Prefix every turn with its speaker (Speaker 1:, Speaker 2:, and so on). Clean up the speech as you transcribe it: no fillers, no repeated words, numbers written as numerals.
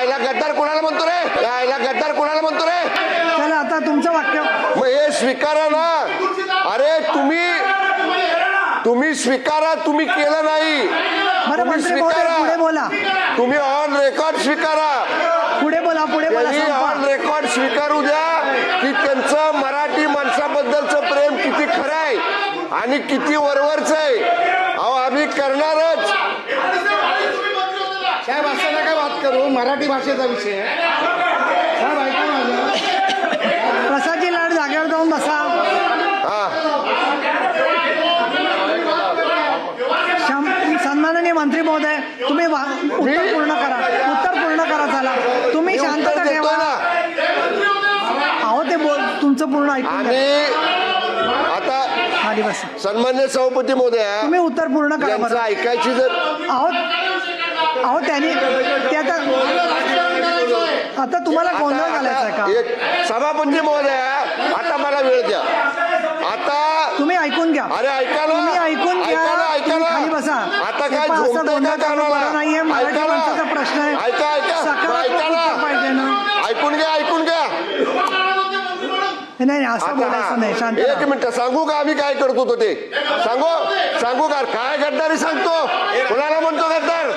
Speaker 1: यायला गद्दार कोणाला म्हणतो रे? यायला गद्दार कोणाला म्हणतो रे?
Speaker 2: चला आता तुमचं वाक्य.
Speaker 1: मग हे स्वीकारा ना. अरे तुम्ही स्वीकारा. तुम्ही केलं नाही.
Speaker 2: बरं मंत्री महोदय पुढे बोला.
Speaker 1: तुम्ही ऑन रेकॉर्ड स्वीकारा.
Speaker 2: पुढे बोला.
Speaker 1: त्यांनी
Speaker 2: संपवा.
Speaker 1: ऑन रेकॉर्ड स्वीकारू द्या की त्यांचं मराठी माणसाबद्दलचं प्रेम किती खरं आहे आणि किती वरवरचं आहे. अहो आम्ही करणारच.
Speaker 3: साहेब असं नका बात करू. मराठी भाषेचा विषय आहे. साहेब ऐका माझं.
Speaker 2: प्रसादजी लाड जागेवर जाऊन बसा. सन्माननीय मंत्री महोदय तुम्ही उत्तर पूर्ण करा. चला तुम्ही शांतता ठेवा. अहो ते तुमचं पूर्ण ऐकून
Speaker 1: आणि आता
Speaker 2: खाली बसा.
Speaker 1: सन्मान्य सभापती महोदय
Speaker 2: तुम्ही उत्तर पूर्ण करा.
Speaker 1: यांचं ऐकायची जर
Speaker 2: अहो त्यांनी ते आता तुम्हाला गोंधळ घालायचा का?
Speaker 1: एक सभापती महोदय आता मला वेळ द्या. आता
Speaker 2: तुम्ही ऐकून घ्या.
Speaker 1: अरे ऐका ना.
Speaker 2: तुम्ही ऐकून घ्या.
Speaker 1: ऐका ना.
Speaker 2: खाली बसा.
Speaker 1: आता काय
Speaker 2: असं
Speaker 1: झोपतंय
Speaker 2: गोंधळ
Speaker 1: का
Speaker 2: करणं बरं नाहीये. मराठी
Speaker 1: ऐका ना.
Speaker 2: माणसाचा प्रश्न आहे.
Speaker 1: ऐका
Speaker 2: सकारात्मक उत्तर पाहिजे ना.
Speaker 1: ऐकून घ्या.
Speaker 2: नाही असं बोलायचं नाही. शांत
Speaker 1: एक
Speaker 2: राहा.
Speaker 1: मिनिट सांगू का आम्ही काय करतो तो ते सांगू का? काय गद्दारी सांगतो? कोणाला म्हणतो गद्दार?